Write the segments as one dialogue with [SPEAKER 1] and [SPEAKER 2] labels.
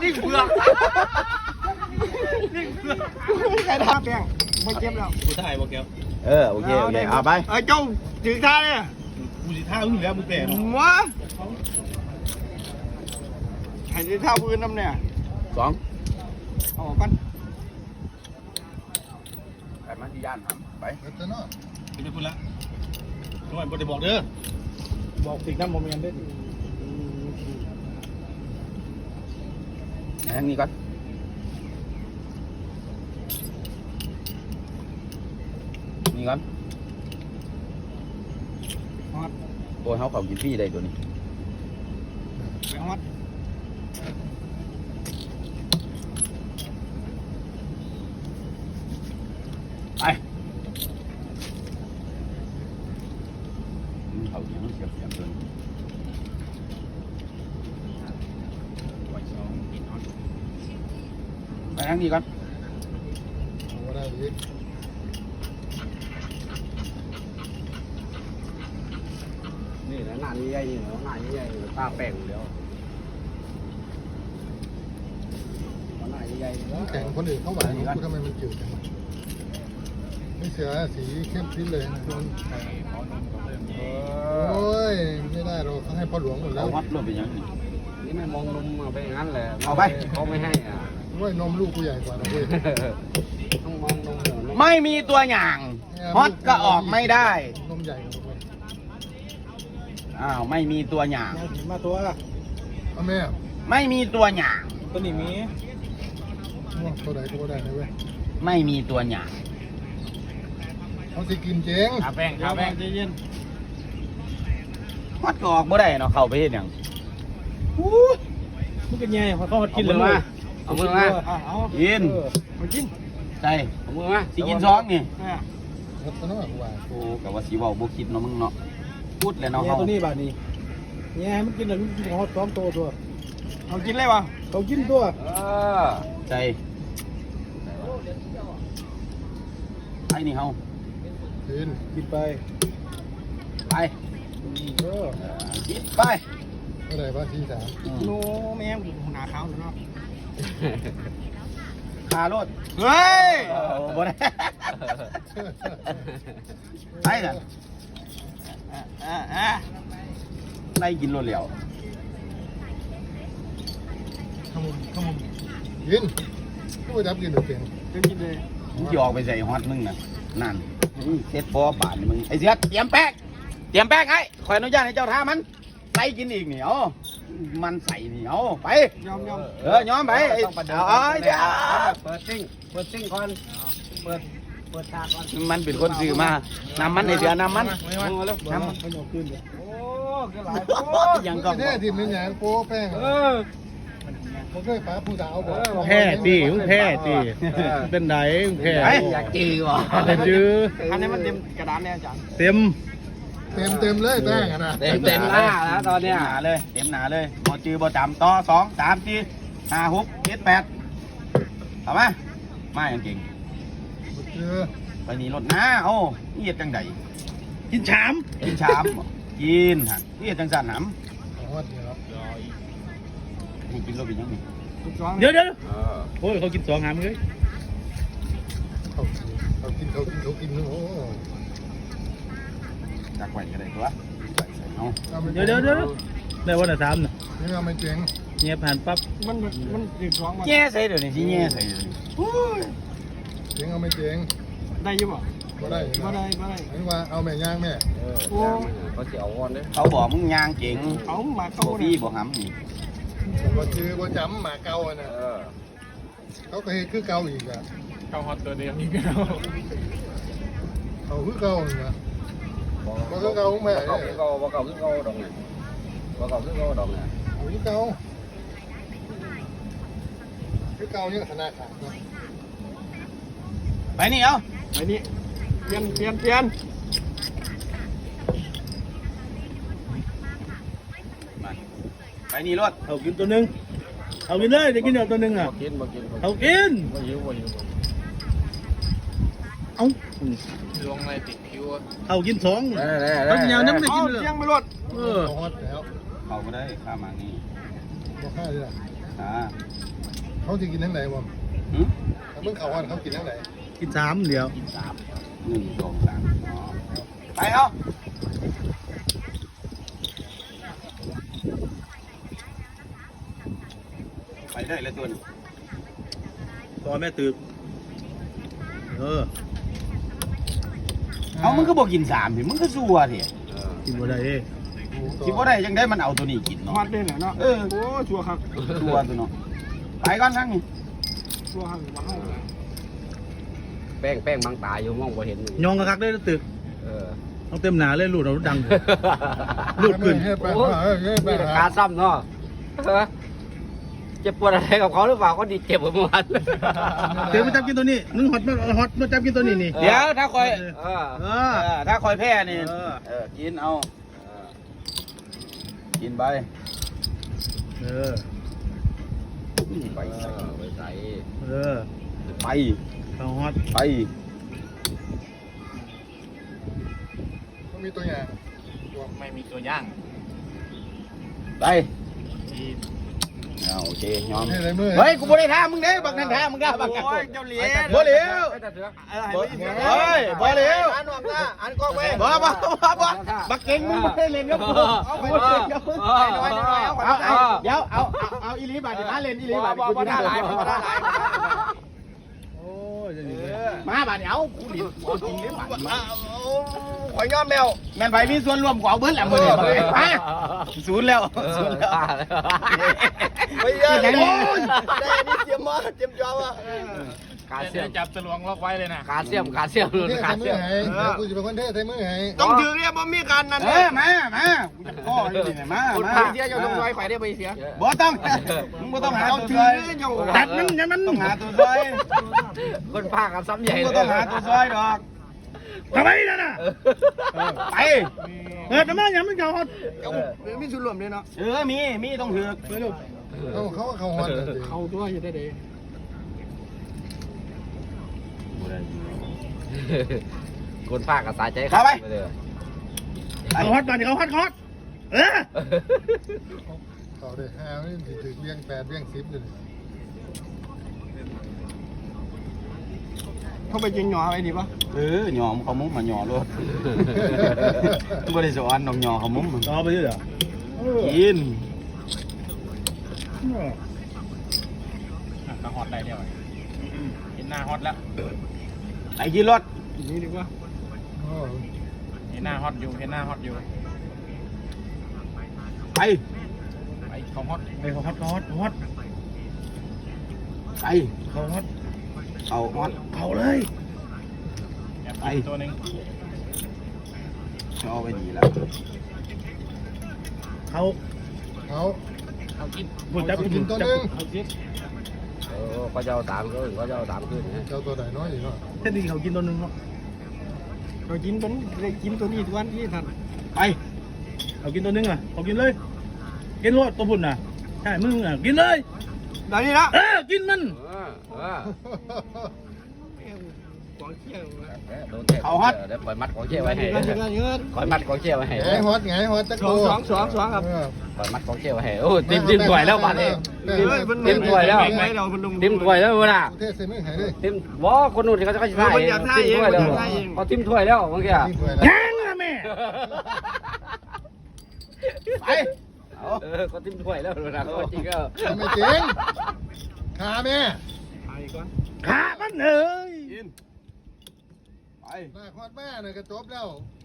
[SPEAKER 1] นี่เผือกนี่เผือกใครทำแป้งไม่เจ็บแล้วกูถ่ายบอกแก
[SPEAKER 2] โอเคเอาไป
[SPEAKER 1] เจ้าถึงท่าเนี่ย
[SPEAKER 3] กูสิท่ามึงแล้วมึงแปล
[SPEAKER 1] วะใครจะท่าพื้นน้ำเนี่ย
[SPEAKER 2] 2
[SPEAKER 1] เอากัน
[SPEAKER 2] ไปมาที่ย่านไป
[SPEAKER 3] จะนอนไปจะพูดละทำไมบ่ได้บอกเด้อบอกสิ่งนั้นโมเมนต์ได้
[SPEAKER 2] ทางนี้ก่อนนี่ก่อนโอ้ยเขาเขากินฟรีได้ตัวนี้
[SPEAKER 1] ฮอต
[SPEAKER 2] ไปเขาเสียบตัวนี้ไปทางนี้ก่อน
[SPEAKER 4] นี่แหละหน้านี้ใหญ่นี่เหรอหน้านี้ใหญ่ตาแป้งอยู่แล้วหน้าใหญ่
[SPEAKER 3] แข่งคนอื่นเข้าหวานกูทำไมมันจืดจังไม่เสือสีเข้มพิ้นเลยนะโอ้ยไม่ได้เราต้องให้พ่อหลวงหมดแล้ว
[SPEAKER 2] วัดรวมเป็นยัง
[SPEAKER 4] นี่ไม่มองนมไปอย่างนั้นแหละ
[SPEAKER 2] เอาไป
[SPEAKER 4] เขาไม่ให้อ่ะ
[SPEAKER 3] ว่านมลูกกูใหญ่กว่าเราเว้ย
[SPEAKER 4] ต้องมองนม
[SPEAKER 2] ไม่มีตัวอย่างฮอตก็ออกไม่ได้
[SPEAKER 3] นมใหญ่กว่า
[SPEAKER 2] ไม่มีตัวอย่าง
[SPEAKER 3] มาตัวเอาแม่
[SPEAKER 2] ไม่มีตัวอย่าง
[SPEAKER 3] ตัวนี้มีตัวไหนตัวได้เว้ย
[SPEAKER 2] ไม่มีตัวอย่าง
[SPEAKER 3] เขาสิกินเจ๊ง
[SPEAKER 4] ขาแป้งใจเย็น
[SPEAKER 2] ฮอตก็ออกไม่ได้เนาะเข้าไปเห็นอย่าง
[SPEAKER 3] มันก็แย่เขา
[SPEAKER 4] กินเลยมาเอามือมา
[SPEAKER 2] กิน
[SPEAKER 1] มากิน
[SPEAKER 2] ใจ
[SPEAKER 4] เอามือมา
[SPEAKER 2] สิกินซ้องนี่
[SPEAKER 3] โอ้
[SPEAKER 2] กับว่าสีว่าบุคิดเนาะมึงเนาะพูดเลยเนาะเขา
[SPEAKER 3] ตัวนี้บาดนี้แย่มันกินอะไรมันกินฮอต2ตัว
[SPEAKER 1] เขากินเลยวะ
[SPEAKER 3] เขากินตัว
[SPEAKER 2] ใจไอ้นี่เขา
[SPEAKER 3] กินไป
[SPEAKER 2] กินไป
[SPEAKER 3] อะไรบ้างที่3
[SPEAKER 1] โน้แม่งหนาขาวเนาะ
[SPEAKER 2] คารถ
[SPEAKER 1] เฮ้ย
[SPEAKER 2] บ่ได้ไปกันได้กินรถเหลียว
[SPEAKER 3] ขมุนกินก็ไปดับกินหรือเปล่า
[SPEAKER 1] กินเลย
[SPEAKER 2] มึงจะออกไปใส่ฮอตมึงน่ะนั่นเซ็ตบอบาทมึงไอ้เสียเตรียมแป้งให้ขออนุญาตให้เจ้าท่ามันใส่กินอีกเหนียวมันใส่เหนียวไป
[SPEAKER 1] ยอม
[SPEAKER 2] ย้อมไปเดี๋ยว
[SPEAKER 4] เปิดซิ่งก่อนเปิดตาก่อน
[SPEAKER 2] มันเป็นคนซื้อมานำมันในเดือนนำมัน
[SPEAKER 3] น้ำมันเอาขึ้นเลย
[SPEAKER 1] โอ้ก็หลาย
[SPEAKER 3] ยังก็แท้ที่มันใหญ่โป้แป้งผมเคยป้าผู้สาวบอก
[SPEAKER 5] แพ้ตีแพ้ตีเป็นไหนแพ้
[SPEAKER 4] อยากจีวะ
[SPEAKER 5] เป็นยื้อ
[SPEAKER 1] อันนี้มันเต็มกระดานเนี่ยอาจารย์
[SPEAKER 5] เต็ม
[SPEAKER 3] เลยแป้งนะ
[SPEAKER 4] เต็มหน้าแล้วตอนเนี้ย
[SPEAKER 2] หนาเลยเต็มหนาเลยบอจือบอจำต่อ2 3 4 5 6 7 8เอาไหมมาอย่างเก่งไปนี่รถน้าโอ้นี่เห็ดจังได
[SPEAKER 5] กินชาม
[SPEAKER 2] กินฮะนี่เห็ดจังสันหำนี่กินรถเป็นยังไง
[SPEAKER 5] เดี๋ยวโอ้ยเขากิน2 หามเลย
[SPEAKER 3] เขากินโอ้
[SPEAKER 2] จักไว้ก็ได้ตัว
[SPEAKER 5] เดี๋ยวได้วันละ3น่ะ
[SPEAKER 3] นี่เอาไม่เจ๋ง
[SPEAKER 5] เงียบผ่านปั๊บ
[SPEAKER 1] มันถึง2มา
[SPEAKER 2] แง่ใส่เดี๋ยวนี้ที่แง่ใส่เดี๋ยวนี้
[SPEAKER 3] เจ๋งเอาไม่เจ๋ง
[SPEAKER 1] ได้ยังบ่
[SPEAKER 3] ได้ไม่ว่าเอาแม่ย่างแม่
[SPEAKER 4] เขาจะเอาวันเลย
[SPEAKER 2] เขาบอกมึงย่างเก่ง
[SPEAKER 1] เขาหมาเก่า
[SPEAKER 2] พี่บอกหำนี่
[SPEAKER 3] บ่ชื่อบ่จำหมาเก่าน่ะเขาก็เฮ็ดคือเก่าอีกอ่ะ
[SPEAKER 1] เก่าฮอตตัวเดียวนี่ก็
[SPEAKER 3] เขาคือเก่าน่ะบ่คือเก่าแม่
[SPEAKER 4] บ่เก่าคือเก่าดอกนี่บ่เก่าคือเก่าดอกนี่
[SPEAKER 3] คือเก่าเนี่ยขนาดขาด
[SPEAKER 2] ไปนี่เอา
[SPEAKER 1] ไปนี่เปลี่ยน
[SPEAKER 2] ไปนี่รถ
[SPEAKER 5] เอากินตัวนึงเอากินเลยจะกินเดี๋ยวตัวนึงอ่ะเอากินเอา
[SPEAKER 1] ลงอะไรติดคิว
[SPEAKER 5] เอากิน2
[SPEAKER 4] ต้อง
[SPEAKER 1] ยาวน้ำไม่กินเลย
[SPEAKER 3] ฮอตแล้ว
[SPEAKER 2] เขาก็ได้ข้ามมานี่
[SPEAKER 3] บ่ค่าเลยล่ะ
[SPEAKER 2] อ่า
[SPEAKER 3] เขาจะกินทั้งไหนวะ
[SPEAKER 2] หืม
[SPEAKER 3] เมื่อเขาวันเขากินทั้งไหน
[SPEAKER 5] กิน3เดียว
[SPEAKER 2] กิน3 1 2 3ไปเอาไปได้แล้วตัวนึง
[SPEAKER 5] ตอนแม่ตื่น
[SPEAKER 2] เอามึงก็บอกกิน3สิมึงก็ซัวสิ
[SPEAKER 5] กินบ่ได้
[SPEAKER 2] คิดว่าได้ยังได้มันเอาตัวนี้กิน
[SPEAKER 1] ฮ
[SPEAKER 2] เนาะ
[SPEAKER 1] อตด้วยเนาะโอ้ชัวร์ครับ
[SPEAKER 2] ซัวตัวเนาะไปก่อนทั้งนี้
[SPEAKER 1] ชัวร์ครับว้าว
[SPEAKER 4] แป้งบางตาอยู่มองบ่เห็น
[SPEAKER 5] ยองกระคักได้ตึก
[SPEAKER 4] เออ
[SPEAKER 5] ต้องเต็มหนาเลยลูดเอาดังลูดขึ้น
[SPEAKER 3] ให้ไป
[SPEAKER 4] โอ้
[SPEAKER 3] ให้ไป
[SPEAKER 4] มีการซ้ำเนาะเจ็บปวดอะไรกับเขาหรือเปล่าก็ดีเจ็บเหมือนกัน
[SPEAKER 5] เดี๋ยวมาจับกินตัวนี้มึงฮอตมาจับกินตัวนี้นี่
[SPEAKER 2] เดี๋ยวถ้าคอย
[SPEAKER 5] เ
[SPEAKER 2] ถ้าคอยแพ้นี่
[SPEAKER 5] เออ
[SPEAKER 2] กินเอากินไป
[SPEAKER 4] ไปใส่
[SPEAKER 2] ไป
[SPEAKER 5] เขาฮอต
[SPEAKER 2] ไป
[SPEAKER 3] มันมีตัวอย่าง
[SPEAKER 1] ไม่มีตัวย่าง
[SPEAKER 2] ไปโอเคยอม
[SPEAKER 3] ให้อะไรมือ
[SPEAKER 2] เฮ้ยกูบ่ได้ท้ามึงเด้บักนั่นท้ามึงได้บักกัน
[SPEAKER 1] โอ้ยเจ้าเหรียญ
[SPEAKER 2] บ่เหลียว
[SPEAKER 1] เฮ้ย
[SPEAKER 2] บ่เหลียว
[SPEAKER 1] อันวางหน้าอันกล้องไว้
[SPEAKER 2] บ่บักเก่งมึงบ่ได้เล่นกับกูเอาไปเล่นกับกู เดี๋ยวเอาอีลีบาดมาเล่นอีลีบาดกูได้หลาย
[SPEAKER 5] โอ้ยจะหนี
[SPEAKER 2] มาบาดเดี๋ยวกูดิเอาจริงเด้บาดมาข่อยยอมแล้วแม่นไผมีส่วนร่วมกูเอาเบิดแล้วมื้อนี้มาศูนย์แล้วศูนย์แล้ว
[SPEAKER 1] ไม่เยอะได้นี่เตรียมมาเตรียมจอมา
[SPEAKER 4] ขาเสียม
[SPEAKER 1] จับตะลวงล็อกไว้เลยนะ
[SPEAKER 4] ขาเสียม
[SPEAKER 3] เทใส่มือให้กูจะเป็นคนเทใส่มือให้
[SPEAKER 1] ต้องถือเนี่ยบ่มีการนั่น
[SPEAKER 2] มากูจะพ่ออยู่นี่มา
[SPEAKER 1] คุณพาเสียอยู่ตรงน้อยไข่ได้ไปเสีย
[SPEAKER 2] บ่ต้องมึงบ่ต้องหาตัวซอย
[SPEAKER 5] ตัดมันอย่ามัน
[SPEAKER 2] ต้องหาตัวซอย
[SPEAKER 4] คนพากันซ้ำใหญ่
[SPEAKER 2] มึงบ่ต้องหาตัวซอยดอก
[SPEAKER 5] ทำไมนั่นน่ะ
[SPEAKER 2] ไป
[SPEAKER 5] ทำไมอย่ามันเขาฮอต
[SPEAKER 1] มีส่วนรวมด้วยเนาะ
[SPEAKER 2] มีต้องถือ
[SPEAKER 3] เขาฮอต
[SPEAKER 1] เขาด้วยอยู่ได้เด้
[SPEAKER 4] คนพากันสายใจ
[SPEAKER 5] เขาฮอตมาดิเขาฮอตเขา
[SPEAKER 3] ได้5นี่ถึงเลี้ยง8เลี้ยง10เลย
[SPEAKER 1] เขาไปยิงหยออะไรดีปะ
[SPEAKER 2] หยอมเขามุ้งมาหยอรถบ่ได้สอนน้องหยอเขามุ้ง
[SPEAKER 5] เอาไปด้วยเหรอ
[SPEAKER 2] กิน
[SPEAKER 1] ก็ฮอตได้เดียวเห็นหน้าฮอตแล้ว
[SPEAKER 2] ไปกินรถ
[SPEAKER 1] นี่ดีกว่าเห็นหน้าฮอตอยู่เห็นหน้าฮอตอยู่
[SPEAKER 2] ไป
[SPEAKER 1] ไปเขาฮอต
[SPEAKER 5] ไปเขาฮอตเขาฮอตเขาฮอต
[SPEAKER 2] ไป
[SPEAKER 5] เขาฮอต
[SPEAKER 2] เอาฮอต
[SPEAKER 5] เขาเลย
[SPEAKER 2] ไป
[SPEAKER 1] ตัวนึง
[SPEAKER 2] เอาไปดีแล้ว
[SPEAKER 5] เขา
[SPEAKER 1] เขากิน
[SPEAKER 5] บุญจับ
[SPEAKER 3] กินตัวนึง
[SPEAKER 1] เขากิน
[SPEAKER 4] เขาจะเอา3ขึ้นเขาจะเอา3ขึ้น
[SPEAKER 3] เจ้าตัวไหนน้อยอยู่เนาะ
[SPEAKER 5] แค่นี้เขากินตัวนึงเนาะ
[SPEAKER 1] เขากินเป็นกินตัวนี้ทุกวันที่ทัน
[SPEAKER 2] ไป
[SPEAKER 5] เขากินตัวนึงอ่ะเขากินเลยกินรถตัวพุ่นน่ะใช่มึงอ่ะกินเลย
[SPEAKER 1] ได้นี่ละ
[SPEAKER 5] กินมัน
[SPEAKER 1] กองเขี้ยว
[SPEAKER 4] ได้ปล่อยมัดของเชี่ยไว้ให้
[SPEAKER 1] เงินเงิน
[SPEAKER 4] ปล่อยมัดของเชี่ยไว้ให้
[SPEAKER 3] ไงฮอตตะ
[SPEAKER 1] ส
[SPEAKER 3] โก
[SPEAKER 1] องครับ
[SPEAKER 4] ปล่อยมัดของเชี่ยไว้ให้โอ้ติ้มถวยแล้วบ้านนี้ติ้มถวยแล้วติ้มถวยแล้วเวลา
[SPEAKER 3] เทใส่มือให้ด้วย
[SPEAKER 4] ติ้มว่าคนนู้นเขาจะใส่ติ้มถวยแล้วเขาติ้มถวยแล้วบางทีอ่ะ
[SPEAKER 3] นี่ถ้วยละ
[SPEAKER 5] ยังนะแม่
[SPEAKER 2] ไป
[SPEAKER 4] เขาติ้มถวยแล้วนะเขาจริงก็
[SPEAKER 3] ไม่จริงขาแม่
[SPEAKER 1] ไปก่อน
[SPEAKER 5] ขามันเอ้ย
[SPEAKER 2] กินไป
[SPEAKER 3] หน้าฮอตแม่เนี่ยก็จบแล้ว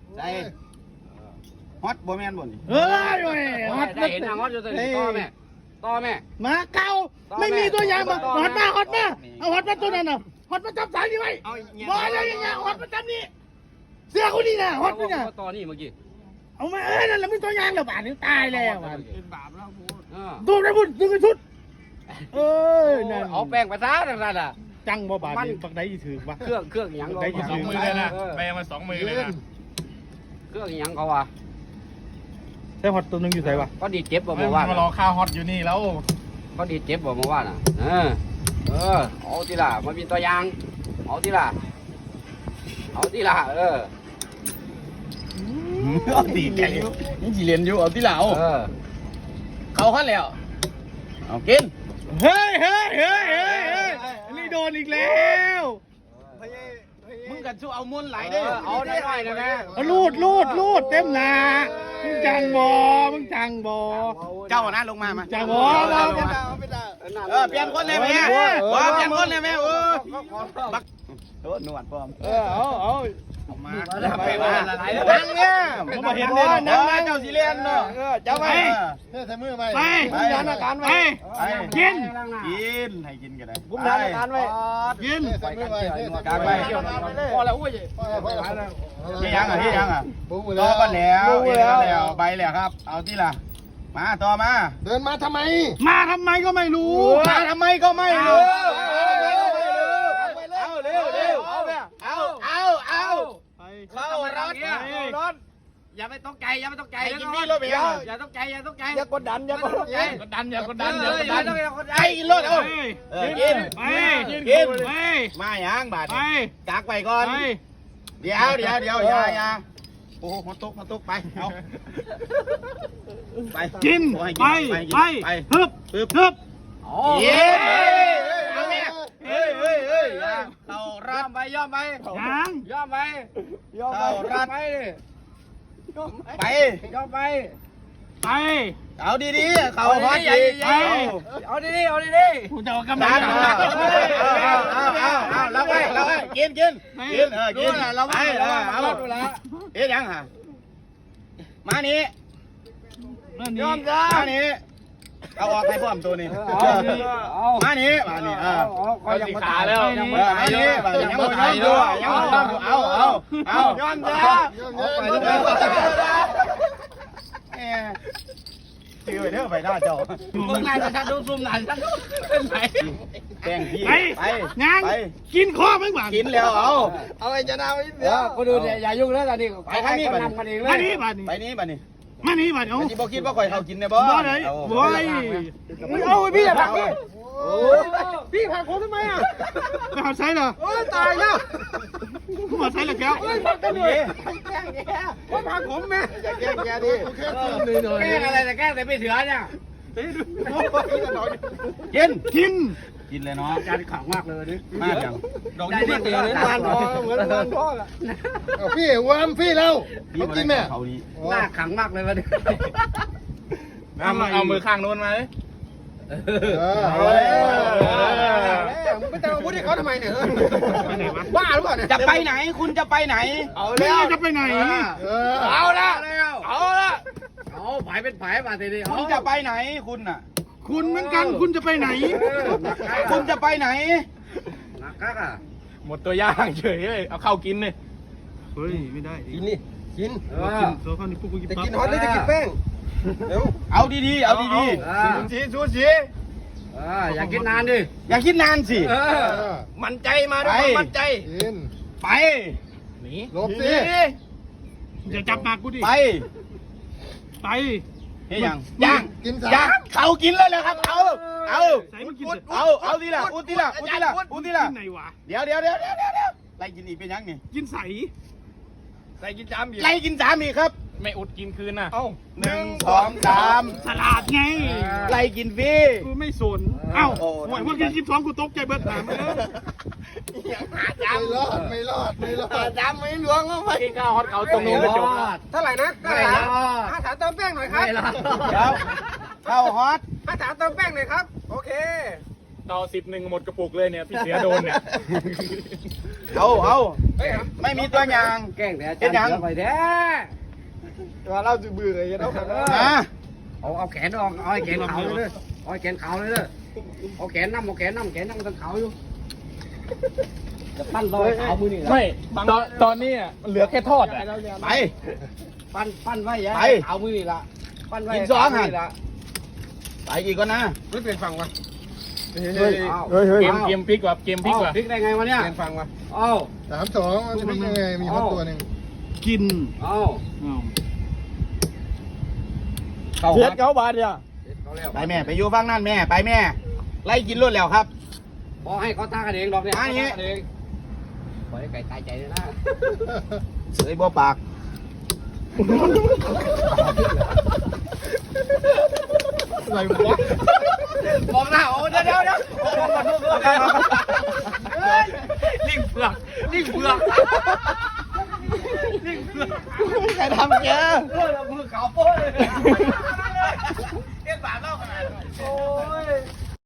[SPEAKER 2] ฮอตบ่แม่นบ่นี่
[SPEAKER 5] เฮ้ยฮอต
[SPEAKER 4] ได้เห็นนางฮอตอยู่ตัวนี้ต่อแม่
[SPEAKER 5] มาเก่าไม่มีตัวอย่างมาฮอตมาเอาฮอตมาตัวนั้นน่ะฮอตมาจับสายนี่ไว้บอลอะไรอย่างเงี้ยฮอตมาจับนี่เสื้อคนนี้น่ะฮอตนี่น่ะ
[SPEAKER 4] ต่อนี่เมื่อกี้
[SPEAKER 5] เอามานั่นแหละมึงตัวอย่างแล้วบาดนี้ตายแล้ว
[SPEAKER 1] เป็นบาปแล้วพูด
[SPEAKER 5] ดูได้พุ่นดูกันชุดนั่น
[SPEAKER 4] เอาแป้งไปซะนั่นน่ะ
[SPEAKER 5] จังบ่บาดนี้ปักได้ถือวะ
[SPEAKER 4] เครื่องยัง
[SPEAKER 1] 2 มือเลยนะแปลมา2 มือเลยนะ
[SPEAKER 4] เครื่องยังเขาว่ะ
[SPEAKER 5] ใช่ฮอตตัวนึงอยู่ไหนวะ
[SPEAKER 4] ก็ดีเจ็บบ่เมื่อวาน
[SPEAKER 1] มารอข้าวฮอตอยู่นี่แล้ว
[SPEAKER 4] ก็ดีเจ็บบ่เมื่อวานอ่ะเอาทีละมาเป็นตัวอย่างเอาทีละ
[SPEAKER 2] เอาตีแกยังสิเรียนอยู่เอาที่เหล่าเขาขั้นแล้วเอากิน
[SPEAKER 5] เฮ้ยนี่โดนอีกแล้ว
[SPEAKER 2] มึงกันสู้เอาม้วนไหลได้เอาได้นะแม่
[SPEAKER 5] ลูดเต็มหนามึงจังบอ
[SPEAKER 2] เจ้านะลงมามา
[SPEAKER 5] จังบอ
[SPEAKER 2] เปลี่ยนคนเลยแม่เปลี่ยนคนเลยแม่บักโอ้หนวดปลอม
[SPEAKER 5] เอา
[SPEAKER 2] มานั่งเนี่ยผมเห็นเนี่ยนั่งมาเจ้าสิเลียนเนาะเจ้าไป
[SPEAKER 3] ใส่มือไป
[SPEAKER 5] ไป
[SPEAKER 3] ยันอาการ
[SPEAKER 5] ไปกิน
[SPEAKER 2] ให้กินกันได้
[SPEAKER 3] บุ้มยันอาการไว้
[SPEAKER 5] กิน
[SPEAKER 3] ใส่มือไป
[SPEAKER 2] กลางไป
[SPEAKER 5] พอแล้วอุ้ย
[SPEAKER 2] ที่ยังต่อกันแล้วใบแล้วครับ เอาที่ล่ะมาต่อมา
[SPEAKER 3] เดินมาทำไม
[SPEAKER 5] มาทำไมก็ไม่รู้
[SPEAKER 2] มาทำไมก็ไม่รู้เอาเร็วเอาเข้ารถอย่าไปตกใจกินนี่รถไปอย่าตกใจอย่ากดดันไอ้รถเอากินมาอย่างบาดกักไปก่อนเดี๋ยวอย่าโอ้โหมาตกไปเอาไป
[SPEAKER 5] กินไปฮึบ
[SPEAKER 2] เย้เอาเนี่ยเฮ้ยเรารับไปย่อมไป
[SPEAKER 5] ยัง
[SPEAKER 2] ย่อมไปเรารับไปย่อมไปเอาดีๆเขาฮอตดีเอาดีๆ
[SPEAKER 5] กูจะเอากำ
[SPEAKER 2] ดั
[SPEAKER 5] ลั
[SPEAKER 2] น
[SPEAKER 5] ง
[SPEAKER 2] เอาเราไปกินเราไปเอาเอ๊ะยังฮะมานี้ยอมจ้ามานี้เอาออกให้พร้อมตัวนี้มานี้
[SPEAKER 4] ก็ยังขาแล้ว
[SPEAKER 2] มานี้ยังไม่ไทยด้วยยังเอายอมจ้าจืดเด้อไปหน้าเจ้ามึงนายฉันดูซุ่มนายฉันเป็นไหนแกงพี่ไป
[SPEAKER 5] ยังกินข้อไม่หวัง
[SPEAKER 2] กินแล้วเอา
[SPEAKER 3] ไอ้จะนาไป
[SPEAKER 4] เดี๋ยวกูดูเนี่ยอย่ายุ่งแล้วตอนนี้ไปนี่นำกันเองเลย
[SPEAKER 5] มานี่
[SPEAKER 2] ไปนี้
[SPEAKER 5] มานี่เอา
[SPEAKER 2] ที่บอกคิดว่าข่อยเขากินเนี่ยบ่
[SPEAKER 5] บ่เลยบ่ยเอาพี่อย่าผักพี่ผักผมทำไมอ่ะไปหาใช้เหรอตายแล้วกูมาใช้เหรอแก้วผักกันเลยว่าผักผมแม่
[SPEAKER 3] จะแก้แกดิ
[SPEAKER 4] แกล้งอะไรแต่แกล้งแต่ไม่เถื่อนเนี่ย
[SPEAKER 2] กินเลยเนาะ
[SPEAKER 4] การขังมากเลยนี่
[SPEAKER 2] มากจังดอกนี้เตือน
[SPEAKER 3] ทานพอเหมือนทานพอละพี่วามพี่เราเขากินแม่
[SPEAKER 2] เขาดี
[SPEAKER 4] หน้าขังมากเลยวันนี้
[SPEAKER 5] เอามือข้างโน้นมาเลย
[SPEAKER 3] ไม่ต้องพูดให้เขาทำไมเนี่ย
[SPEAKER 5] ไปไหนวะ
[SPEAKER 3] บ้าหรือเปล่าเนี่ย
[SPEAKER 2] จะไปไหนคุณจะไปไหน
[SPEAKER 5] ไม่จะไปไหน
[SPEAKER 3] เอาละ
[SPEAKER 4] เอาผายเป็นผายมาทีนี้
[SPEAKER 2] คุณจะไปไหนคุณน่ะ
[SPEAKER 5] คุณเหมือนกันคุณจะไปไหน
[SPEAKER 2] คุณจะไปไหน
[SPEAKER 4] นักกักอ่ะ
[SPEAKER 5] หมดตัวย่างเฉยเลยเอาเข้ากินเลยเฮ้ยไม่ได้
[SPEAKER 3] กินนี่กิน
[SPEAKER 5] กินโซ่ข้าวนี่พวกกูกิน
[SPEAKER 3] จะ
[SPEAKER 5] ปั๊บ
[SPEAKER 3] กินฮอตหรือจะกินแป้งเดี๋ยว
[SPEAKER 2] เอาดีๆเอาดี
[SPEAKER 3] ชูชี
[SPEAKER 4] อย่ากินนานดิ
[SPEAKER 2] ๆอย่าคิดนานสิ
[SPEAKER 3] มั่นใจมาด้วยมั่นใจกิน
[SPEAKER 2] ไป
[SPEAKER 5] หนี
[SPEAKER 3] หลบสิ
[SPEAKER 5] อย่าจับปากกูดิ
[SPEAKER 2] ไป
[SPEAKER 5] ไป
[SPEAKER 2] เฮ้ยยัง
[SPEAKER 3] กินสา
[SPEAKER 2] ยังเขากินแล้วเลยครับเอา
[SPEAKER 5] ใส่มันกิน
[SPEAKER 2] เอาทีละอุดทีละ
[SPEAKER 5] กินไหนวะ
[SPEAKER 2] เดี๋ยวไล่กินอีกเป็นยังนี่
[SPEAKER 5] กินใส
[SPEAKER 2] ไล่กินสามอีกครับ
[SPEAKER 5] ไม่อดกินคืนน่ะ
[SPEAKER 2] 1 2 3
[SPEAKER 5] สลัดไง
[SPEAKER 2] ไล่กินฟรี
[SPEAKER 5] กูไม่สนเอ้าหวยว่ากินกินท้องกูตกใจเบิดหามเลย
[SPEAKER 3] ไม่รอดจำไม่หลวงเข้าไป
[SPEAKER 5] กินข้าวฮอตเขาตรงนู้นก็จบ
[SPEAKER 3] เท่าไหร่นะ5 ถามเติมแป้งหน่อยครับ
[SPEAKER 2] เดี๋ยวเข้าฮอต
[SPEAKER 3] 5 ถามเติมแป้งหน่อยครับโอเค
[SPEAKER 5] ต่อ10หมดกระปุกเลยเนี่ยพี่เสียโดนเนี่ย
[SPEAKER 2] เอาไม่มีตัวอย่าง
[SPEAKER 4] แกล้งแต่อาจารย์ไปแท้
[SPEAKER 3] ว่าเราจะเบื่ออย่างเรา
[SPEAKER 2] นะ
[SPEAKER 4] เอาแขนออกเอาแขนเขาเลยเอาแขนเขาเลยเอาแขนน้ำแขนน้ำตั้งเขาอยู่จะปั้นรอยเขามือนี่
[SPEAKER 5] ไม่ตอนนี้เหลือแค่ทอด
[SPEAKER 2] ไป
[SPEAKER 4] ปั้นไว้ยะเอามือนี่ละปั้นไว้
[SPEAKER 2] ไปอีกก่อนนะ
[SPEAKER 3] ไม่เป็นฟังวะ
[SPEAKER 5] เกมพลิกว่าเกมพลิกว่า
[SPEAKER 4] พลิกได้ไงวะเนี่ย
[SPEAKER 3] เป็นฟังวะ
[SPEAKER 4] เอา
[SPEAKER 3] 3-2มันจะเป็นยังไงมีฮอตตัวหนึ่ง
[SPEAKER 5] กิน
[SPEAKER 4] เอา
[SPEAKER 2] เสียเขาบาดเนี่ยไปแม่ไปอยู่ฟังนั่นแม่ไปแม่ไล่กินรถแล้วครับ
[SPEAKER 4] พอให้เขาท่ากันเองดอกเนี่ยปล่อยไก่ตายใจเลยนะ
[SPEAKER 2] เฮ้ยบ่ปาก
[SPEAKER 5] อะไรวะ
[SPEAKER 2] มองหน้าโอ้เดี๋ยวลิงเผือก
[SPEAKER 5] ใครทำแก
[SPEAKER 2] มือขาวโป้เลย